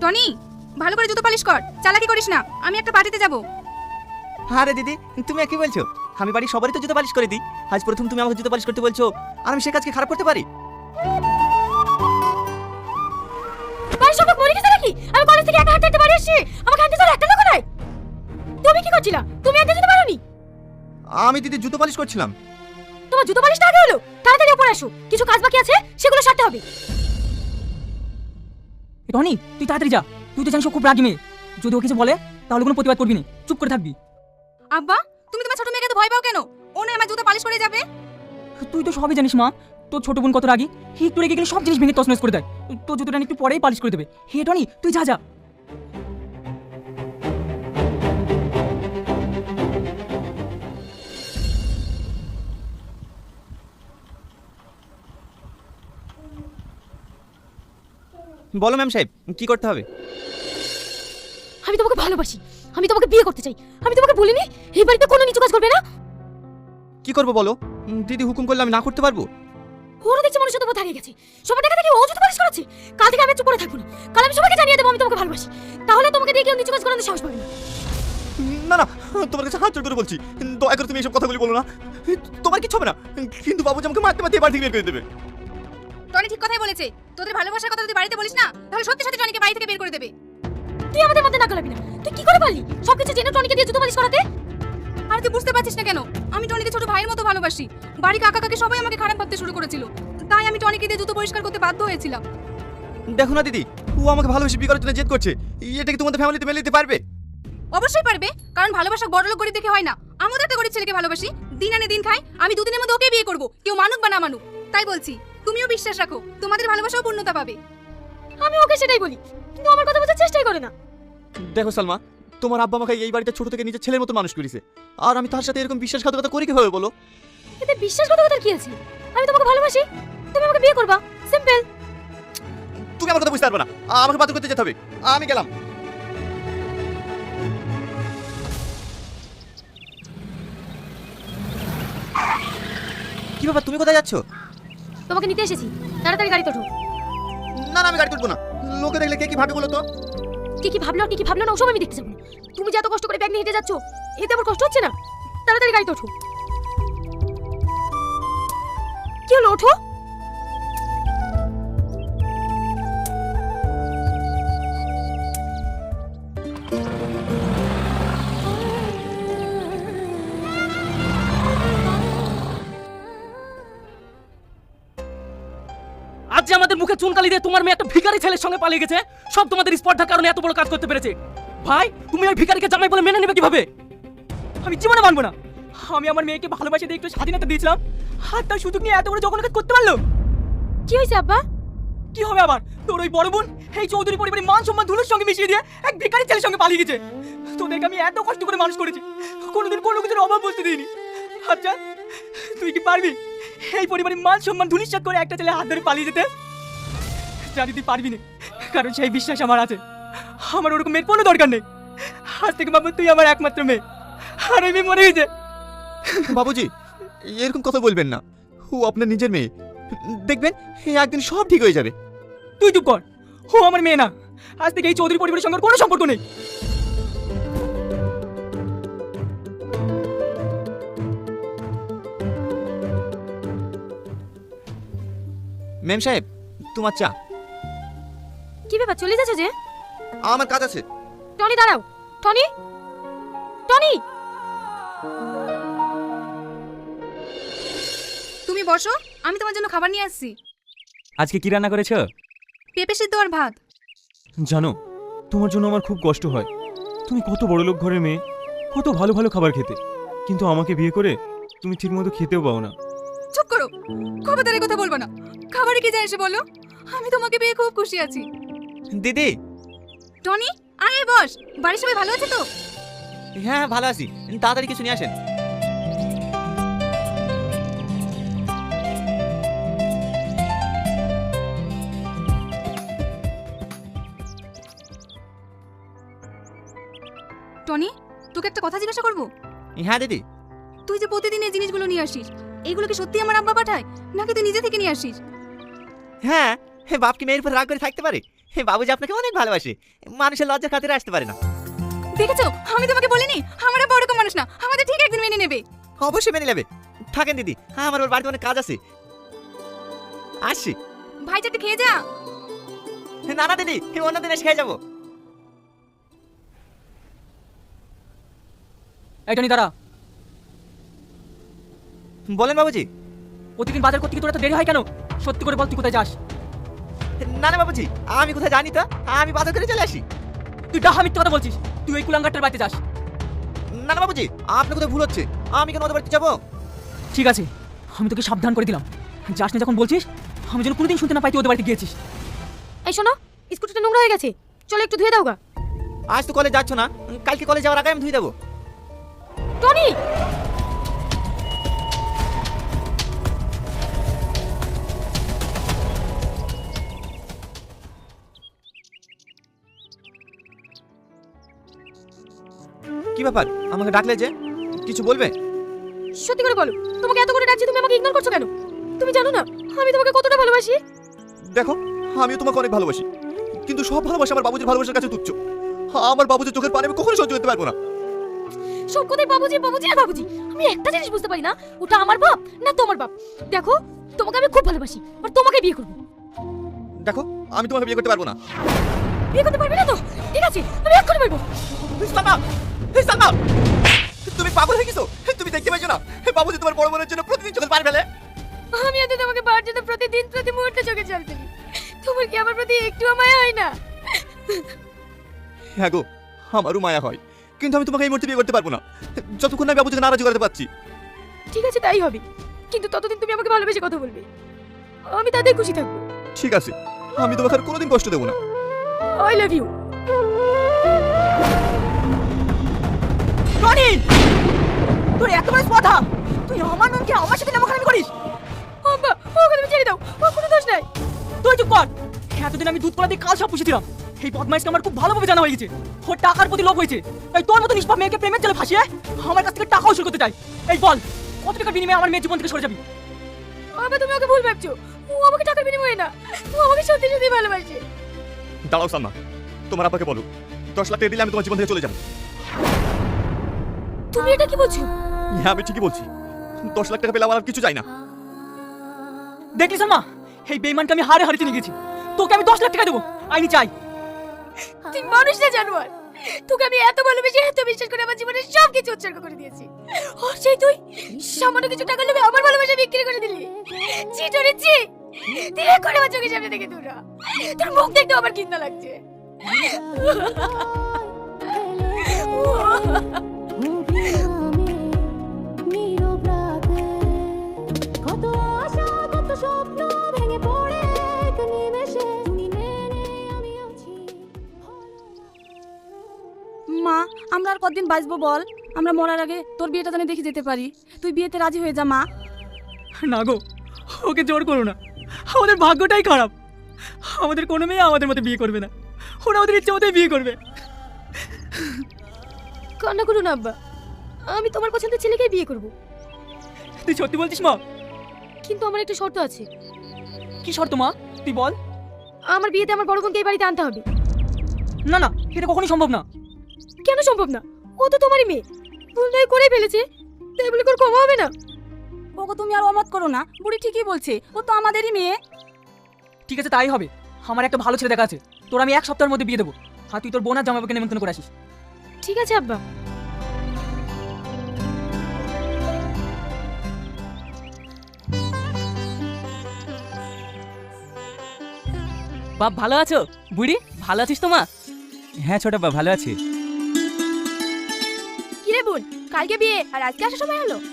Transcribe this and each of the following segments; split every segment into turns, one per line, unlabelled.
Tony, ভালো করে জুতো পালিশ কর, চালাকি করিস না, আমি একটা পার্টিতে যাব।
আরে দিদি, তুমি কি বলছো? আমি বাড়ি সবারই তো জুতো পালিশ করে দিই, আজ প্রথম তুমি আমাকে জুতো পালিশ করতে বলছো, আর আমি সে কাজকে খারাপ করতে পারি?
বাড়ি সব মরে গেছে নাকি? আমি কলেজ থেকে একা হাঁটতে বাড়ি আসছি, আমাকে হাঁটতে চল একটা লোক নাই। তুমি কি করছিলা? তুমি আগে যেতে পারোনি?
আমি দিদি জুতো পালিশ করছিলাম।
তোমার জুতো পালিশটা আগে হলো, তাড়াতাড়ি উপরে আসো, কিছু কাজ বাকি আছে সেগুলো সারতে হবে।
টনি, তুই তাড়াতাড়ি যা, তুই তো জানিস ও খুব রাগী মেয়ে, যদি ও কিছু বলে তাহলে কোনো প্রতিবাদ করবি না, চুপ করে থাকবি।
আব্বা, তুমি তোমার ছোট মেয়েকে তো ভয় পাও কেন? ও না আমার জুতো পালিশ করে যাবে।
তুই তো সবই জানিস মা, তোর ছোট বোন কত রাগী, একটু রেগে গেলে সব জিনিস ভেঙে তছনছ করে দেয়। তোর জুতোটা একটু পরেই পালিশ করে দেবে। হে টনি, তুই যা যা।
বলো ম্যাম সাহেব, কি করতে হবে?
আমি তোমাকে ভালোবাসি, আমি তোমাকে বিয়ে করতে চাই। আমি তোমাকে বলিনি এই বাড়িতে কোনো নিচু কাজ করবে না?
কি করবো বলো? দিদি হুকুম করলে আমি না করতে পারবো?
ওরা দেখছি মনে সাথে থাকে গেছে, সবার দেখা দেখি ও জুতো পালিশ করাচ্ছে। কাল থেকে আমি চুপ করে থাকবো না, কাল আমি সবাইকে জানিয়ে দেবো আমি তোমাকে ভালোবাসি, তাহলে তোমাকে দিয়ে কেউ নিচু কাজ করানোর সাহস পাবে না।
না না, তোমার কাছে হাত জোড় করে বলছি, দয়া করে তুমি এইসব কথাগুলি বলো না। তোমার কিছু হবে না, কিন্তু বাবুজি আমাকে মারতে মারতে বাড়ি থেকে বের করে দেবে।
টনি ঠিক কথাই বলেছে, তোদের ভালোবাসার কথা যদি বাড়িতে বলিস না, তাহলে সত্যি সত্যি টনিকে বাড়ি থেকে বের করে দেবে।
তুই আমাদের মধ্যে না গলাবি না, তুই কি করে পারলি সবকিছু জেনে টনিকে দিয়ে জুতো পালিশ করাতে?
আর তুই বুঝতে পারছিস না কেন? আমি টনিকে ছোট ভাইয়ের মতো ভালোবাসি। বাড়ি কাকা কাকে সবাই আমাকে খারাপ ভাবতে শুরু করেছিল, তাই আমি টনিকে দিয়ে জুতো পরিষ্কার করতে বাধ্য হয়েছিলাম।
দেখো না দিদি, ও আমাকে ভালোবেসে বিয়ে করার জন্য জেদ করছে, এটা কি তোমাদের ফ্যামিলিতে মেনে নিতে পারবে?
অবশ্যই পারবে, কারণ ভালোবাসা বড়লোক গরিব দেখে হয় না। আমিও তো একটা গরিব ছেলেকে ভালোবাসি, দিন আনে দিন খাই। আমি দুদিনের মধ্যে ওকে বিয়ে করব, কেউ মানুক বা না মানুক। তাই বলছি, তুমিও বিশ্বাস রাখো, তোমাদের ভালোবাসাও পূর্ণতা পাবে।
আমি ওকে সেটাই বলি, কিন্তু আমার কথা বোঝার চেষ্টাই করে না।
দেখো সালমা, তোমার আব্বা আমাকে এই বাড়িতে ছোট থেকে নিজের ছেলের মতো মানুষ করেছে, আর আমি তার সাথে এরকম বিশ্বাসঘাতকতা করি কিভাবে বলো?
এতে বিশ্বাসঘাতকতার কি আছে? আমি তোমাকে ভালোবাসি, তুমি আমাকে বিয়ে করবা, সিম্পল।
তুমি আমার কথা বুঝতে পারবে না, আমাকে বাতিল করতে যেতে হবে, আমি গেলাম। কি ব্যাপার, তুমি কোথায় যাচ্ছ?
তোমাকে নিতে এসেছি, তাড়াতাড়ি গাড়িতে ওঠো।
না না, আমি গাড়ি তুলবো না, লোকে দেখলে কে কি ভাবে বলো তো?
কি কি ভাবলো কি কি ভাবলো না ওসব আমি দেখতে যাবো না। তুমি যে এত কষ্ট করে ব্যাগ নিয়ে হেঁটে যাচ্ছ, এতে আমার কষ্ট হচ্ছে না? তাড়াতাড়ি গাড়িতে ওঠো। কি হলো, ওঠো।
আজ যে আমাদের মুখে চুনকালি দিয়ে তোমার মেয়ে একটা ভিখারি ছেলের সঙ্গে পালিয়ে গেছে, সব তোমাদের স্পর্ধার কারণে এত বড় কাজ করতে পেরেছে। ভাই, তুমি ওই ভিখারিকে জামাই বলে মেনে নেবে কিভাবে? আমি জীবনে মানবো না। আমি আমার মেয়েকে ভালোবাসে দিয়ে একটু স্বাধীনতা দিয়েছিলাম, আর তার সুযোগ নিয়ে এত বড় জঘন্য কাজ করতে পারলো।
কি হয়েছে আব্বা?
কি হবে আবার? তোর ওই বড় বোন এই চৌধুরী পরিবারের মান সম্মান ধুলোর সঙ্গে মিশিয়ে দিয়ে এক ভিখারি ছেলের সঙ্গে পালিয়ে গেছে। তোদেরকে আমি এত কষ্ট করে মানুষ করেছি, কোনোদিন কোনো কিছুর অভাব বুঝতে দিইনি। আচ্ছা, তুই কি পারবি এই পরিবারের মান সম্মান ধুলিশ্বাস করে একটা ছেলে হাত ধরে পালিয়ে যেতে? জানি তুই পারবি না, কারণ সেই বিশ্বাস আমার আছে। আমার ওরকম মেয়ের কোনো দরকার নেই। আজ থেকে বাবু তুই আমার একমাত্র মেয়ে, আর ওই মেয়ে মরে গেছে।
বাবুজি, এরকম কথা বলবেন না, ও আপনার নিজের মেয়ে, দেখবেন একদিন সব ঠিক হয়ে যাবে।
তুই চুপ কর, ও আমার মেয়ে না। আজ থেকে এই চৌধুরী পরিবারের সঙ্গে ওর কোনো সম্পর্ক নেই।
ম্যাম সাহেব, তোমার চা।
কি ব্যাপার, চলে যাচ্ছ যে?
আমার কাজ আছে।
টনি দাঁড়াও, টনি, টনি।
তুমি বসো, আমি তোমার জন্য খাবার নিয়ে আসছি।
আজকে কি রান্না করেছো?
পেঁপে সিদ্ধ আর ভাত।
জানো, তোমার জন্য আমার খুব কষ্ট হয়। তুমি কত বড় লোক ঘরের মেয়ে, কত ভালো ভালো খাবার খেতে, কিন্তু আমাকে বিয়ে করে তুমি ঠিকমতো খেতেও পাও না।
চুপ করো, খবরদারি কথা বলবো না। খাবারে কি যায় এসে বলো, আমি তোমাকে পেয়ে খুব খুশি আছি।
দিদি।
টনি, আয় বস। বাড়ির সবাই ভালো আছে তো?
হ্যাঁ ভালো আছি, তাড়াতাড়ি কিছু নিয়ে আসেন।
টনি, তোকে একটা কথা জিজ্ঞাসা করবো?
হ্যাঁ দিদি।
তুই যে প্রতিদিন এই জিনিসগুলো নিয়ে আসিস, এগুলো কি সত্যি আমার আব্বা পাঠায়, নাকি তুই নিজে থেকে নিয়ে আসিস?
হ্যাঁ, বাপ কি মেয়ের উপর রাগ করে থাকতে পারে? বাবুজি আপনাকে অনেক ভালোবাসে, মানুষের লজ্জার খাতিরে আসতে পারে না।
দেখেছো, আমি তোমাকে বলিনি আমরা বড় রকম মানুষ না, আমাদের ঠিক একদিন মেনে নেবে।
অবশ্যই মেনে নেবে। থাকেন দিদি, আমার ওর বাড়িতে অনেক কাজ আছে, আসছি।
ভাই চারটে খেয়ে যা।
না না দিদি, অন্যদিন এসে খেয়ে যাবো।
এইটা নি দাঁড়া।
বলেন বাবুজি।
প্রতিদিন বাজার করতে গিয়ে তোর এত দেরি হয় কেন? সত্যি করে বল, তুই কোথায় যাস?
না না বাবুজি, আমি কোথায় জানি তো, আমি বাজার করে চলে আসি।
তুই ডাহা মিথ্যা কথা বলছিস। তুই ওই কুলাঙ্গারটার বাড়িতে যাস।
না না বাবুজি, আপনার কোথায় ভুল হচ্ছে, আমি কেন ওদের বাড়িতে যাবো?
ঠিক আছে, আমি তোকে সাবধান করে দিলাম, যাস না যখন বলছিস। আমি যেন কোনোদিন শুনতে না পাই তুই ওদের বাড়িতে গিয়েছিস।
এই শোনো, স্কুটিটা নোংরা হয়ে গেছে, চলো একটু ধুয়ে দাও গা।
আজ তো কলেজ যাচ্ছ না, কালকে কলেজ যাওয়ার আগে আমি ধুয়ে দেবো।
টনি,
কি ব্যাপার, আমাকে ডাকলে যে, কিছু বলবে?
সত্যি করে বলো, তোমাকে এত করে ডাকছি, তুমি আমাকে ইগনোর করছো কেন? তুমি জানো না আমি তোমাকে কতটা ভালোবাসি?
দেখো, আমিও তোমাকে অনেক ভালোবাসি, কিন্তু সব ভালোবাসা আমার বাবুজির ভালোবাসার কাছে তুচ্ছ। আমার বাবুজির চোখের পানি আমি কখনো সহ্য করতে পারবো না।
সব কথাই বাবুজি বাবুজি আর বাবুজি। আমি একটা জিনিস বুঝতে পারি না, ওটা আমার বাপ না তোমার বাপ। দেখো, তোমাকে আমি খুব ভালোবাসি, আর তোমাকে বিয়ে করবো।
দেখো, আমি তোমাকে বিয়ে করতে পারবো না।
বিয়ে করতে পারবে না তো? ঠিক আছে, আমি এক্ষুনি বলবো।
সালমা, সালমা, তুমি পাগল হয়ে গেছো? তুমি দেখতে পাইছো না বাবুজি তোমার বড় বোনের জন্য প্রতিদিন চোখের পানি ফেলে?
আমি আজ তোমাকে বার জন্য প্রতিদিন প্রতি মুহূর্তে চোখে জল ফেলি। তোমার কি আমার প্রতি একটুও মায়া হয় না?
হ্যাঁ গো, আমারও মায়া হয়, কিন্তু আমি তোমাকে এই মুহূর্তে বিয়ে করতে পারবো না, যতক্ষণ না আমি বাবুজিকে নারাজ করাতে পারছি।
ঠিক আছে, তাই হবে, কিন্তু ততদিন তুমি আমাকে ভালোবেসে কথা বলবে, আমি তাতেই খুশি থাকবো।
ঠিক আছে, আমি তোমাকে আর কোনোদিন কষ্ট দেবো না।
I love you.
টনি, তোর এত বড় কথা, তুই আমার নামকে আমার সাথে নামখানামি করিস?
আব্বা, ওকে তুমি ছেড়ে দাও, ওর কোনো দোষ নাই।
তুই চুপ কর। এতদিন আমি দুধ কলা দিয়ে কাল সব পুষেছিলাম। এই বদমাইশকে আমার খুব ভালোভাবে জানা হয়ে গেছে। ওর টাকার প্রতি লোভ হয়েছে। এই তোর মতো নিষ্পাপ মেয়েকে প্রেমের জালে ফাঁসিয়ে আমার কাছ থেকে টাকা উসুল করতে চাই। এই বল, কত টাকার বিনিময়ে আমার মেয়ের জীবন থেকে সরে যাবি?
আব্বা, তুমি ওকে ভুল ভাবছো, ও আমাকে টাকার বিনিময়ে না, ও আমাকে সত্যি সত্যি ভালোবাসে।
দাঁড়াও সালমা, তোমার আব্বাকে বলো 10 লাখ টাকা দিলে আমি তোমার জীবন থেকে চলে যাবো।
তুমি এটা কি বলছো?
হ্যাঁ, আমি ঠিকই বলছি, 10 লাখ টাকা পেলে আমার আর কিছু চাই না।
দেখলি সালমা, এই বেঈমানকে আমি হারে হারে চিনে গেছি। তোকে আমি 10 লাখ টাকা দেবো, আইনি চাই।
তুই মানুষ না জানোয়ার, তোকে আমি এত ভালোবেসে এত বিশ্বাস করে আমার জীবনের সব কিছু উৎসর্গ করে দিয়েছি, আর সেই তুই সামান্য কিছু টাকা লোভে আমার ভালোবাসা বিক্রি করে দিলি। ছি টরে ছি, তুই করে আমার চোখের সামনে থেকে দূর হ। তোর মুখ দেখতে আমার ঘৃণা লাগছে।
মা, আমরা আর কতদিন বাঁচবো বল? আমরা মরার আগে তোর বিয়েটা জানি দেখে যেতে পারি। তুই বিয়েতে রাজি হয়ে যা মা।
না গো, ওকে জোর করো না, আমাদের ভাগ্যটাই খারাপ। আমাদের কোনো মেয়ে আমাদের মতো বিয়ে করবে না, ওরা ওদের ইচ্ছে মতোই বিয়ে করবে।
কান্না করো না আব্বা, আমি তোমার পছন্দের ছেলেকেই বিয়ে করব।
তুই সত্যি বলছিস মা?
কিন্তু আমার একটা শর্ত আছে।
কি শর্ত মা, তুই বল।
আমার বিয়েতে আমার বড় বোনকে এই বাড়িতে আনতে হবে।
না না, এটা কখনোই সম্ভব না।
কেন সম্ভব না? ও তো তোমারই মেয়ে, ভুল নয় করেই ফেলেছে, তাই বলে কোন ক্ষমা হবে না?
ওকে তুমি আর অমত করো না, বুড়ি ঠিকই বলছে, ও তো আমাদেরই মেয়ে।
ঠিক আছে, তাই হবে। আমার একটা ভালো ছেলে দেখা আছে, তোর আমি 1 সপ্তাহের মধ্যে বিয়ে দেবো। আর তুই তোর বোন আর জামাইবাবুকে নিমন্ত্রণ করে আসিস।
ঠিক আছে আব্বা।
বাপ ভালো আছো? বুড়ি ভালো আছিস তো মা?
হ্যাঁ ছোট বাবা, ভালো আছি।
কি রে বোন, কালকে বিয়ে আর আজকে আসার সময় হলো?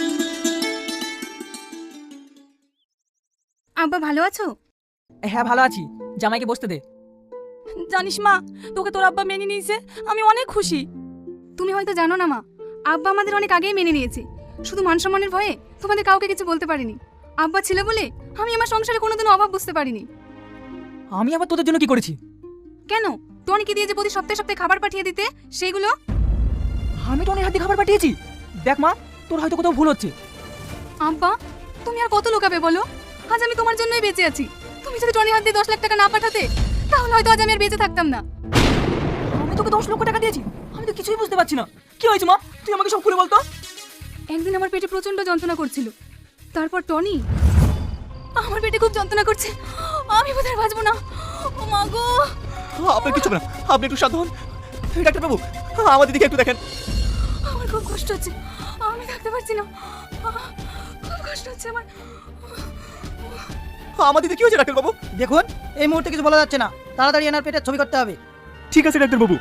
আব্বা ভালো আছো?
হ্যাঁ ভালো আছি, জামাইকে বসতে দে।
জানিস মা, তোকে তোর আব্বা মেনে নিয়েছে, আমি অনেক খুশি।
তুমি হয়তো জানো না মা, আব্বা আমাদের অনেক আগেই মেনে নিয়েছে। শুধু মান সম্মানের ভয়ে তোমাদের কাউকে কিছু বলতে পারিনি। আব্বা ছিল বলে আমি আমার সংসারে কোনোদিনও অভাব বুঝতে পারিনি।
আমি আবার তোদের জন্য কি করেছি?
কেন, টনিকে দিয়ে যে প্রতি সপ্তাহে সপ্তাহে খাবার পাঠিয়ে দিতে, সেগুলো?
আমি টনির হাতে খাবার পাঠিয়েছি? দেখ মা, তোর হয়তো কোথাও ভুল হচ্ছে।
আব্বা, তুমি আর কত লোকাবে বলো? আজ আমি তোমার জন্যই বেঁচে আছি। তুমি যদি টনির হাত দিয়ে 10 লাখ টাকা না পাঠাতে, তাহলে হয়তো আজ আমি আর বেঁচে থাকতাম না।
আমি তোকে 10 লক্ষ টাকা দিয়েছি, আমি তো কিছুই বুঝতে পারছি না। কি হয়েছে মা, তুই আমাকে সব খুলে বলতো।
একদিন আমার পেটে প্রচন্ড যন্ত্রণা করছিল, তারপর টনি আমার পেটে খুব যন্ত্রণা করছে, আমি বোধহয় বাঁচবো না। ও মা গো,
আপনার কিছু হবে না, আপনি একটু শান্ত হন। ডাক্তারবাবু, আমার দিদিকে একটু দেখেন।
আমার খুব কষ্ট হচ্ছে, আমি থাকতে পারছি না, খুব কষ্ট হচ্ছে আমার।
আমার দিদি কি হয়েছে ডাক্তারবাবু?
দেখুন, এই মুহূর্তে কিছু বলা যাচ্ছে না, তাড়াতাড়ি এনার পেটের ছবি করতে হবে।
ঠিক আছে ডাক্তারবাবু।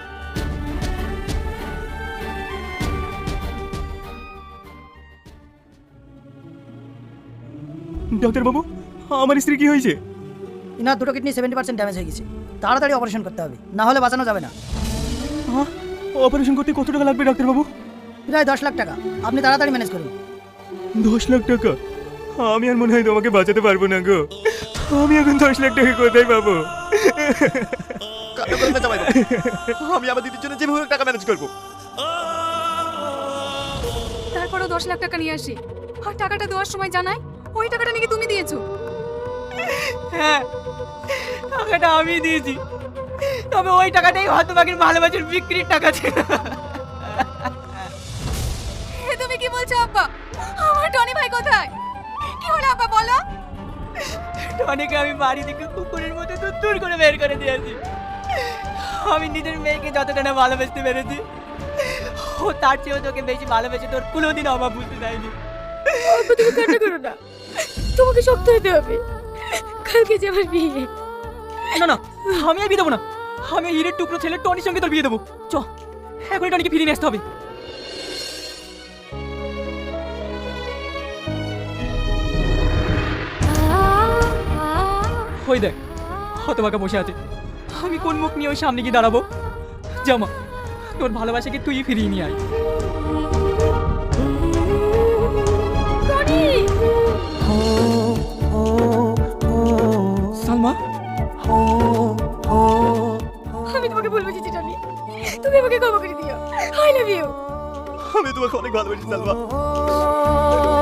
ডাক্তারবাবু, আমার স্ত্রী কি হয়েছে?
ইনার দুটো কিডনি 70% ড্যামেজ হয়ে গেছে, তাড়াতাড়ি অপারেশন করতে হবে, না হলে বাঁচানো যাবে না।
অপারেশন করতে কত টাকা লাগবে ডাক্তারবাবু?
প্রায় 10 লাখ টাকা, আপনি তাড়াতাড়ি ম্যানেজ করুন।
10 লাখ টাকা? আমি আর মনে হয় তোমাকে বাঁচাতে পারবো না গো। আমি এখন 10 লাখ টাকা কোথায় পাবো?
কান্না করবেন না জামাইবাবু, আমি আমার দিদির জন্য যেভাবে হোক টাকা ম্যানেজ করবো।
তারপরও 10 লাখ টাকা নিয়ে আসি, আর টাকাটা দেওয়ার সময় জানাই ওই টাকাটা নাকি তুমি দিয়েছো।
হ্যাঁ, টাকাটা আমি দিয়েছি, তবে ওই টাকাটাই হতভাগীর ভালোবাসার বিক্রির টাকা ছিল।
এ তুমি কি বলছো আব্বা? আমার টনি ভাই কোথায়? কি হলো আব্বা বলো?
টনিকে আমি বাড়ি থেকে কুকুরের মতো দূর করে বের করে দিয়েছি। আমি নিজের মেয়েকে যতটা না ভালোবাসতে পেরেছি, ও তার চেয়েও তোকে বেশি ভালোবেসে তোর কোনোদিন অভাব বুঝতে দেয়নি।
আব্বা, তুমি কান্না করো না, তোমাকে শক্ত হতে হবে, কালকে যে আমার বিয়ে।
না না, আমি আর বিয়ে দেবো না। আমি এই হীরের টুকরো ছেলে টনির সঙ্গে তোর বিয়ে দেবো। চ, এখনই টনিকে ফিরিয়ে নিয়ে আসতে হবে। ওই দেখ, হতভাগা বসে আছে, আমি কোন মুখ নিয়ে ওই সামনে গিয়ে দাঁড়াবো? জামা, তোর ভালোবাসাকে তুই ফিরিয়ে নিয়ে আয়।
টনি,
সালমা,
আমি তোমাকে বলবো যে টনি, তুমি আমাকে ক্ষমা করে দিও। I love you.
আমি তোমাকে অনেক ভালোবাসি সালমা।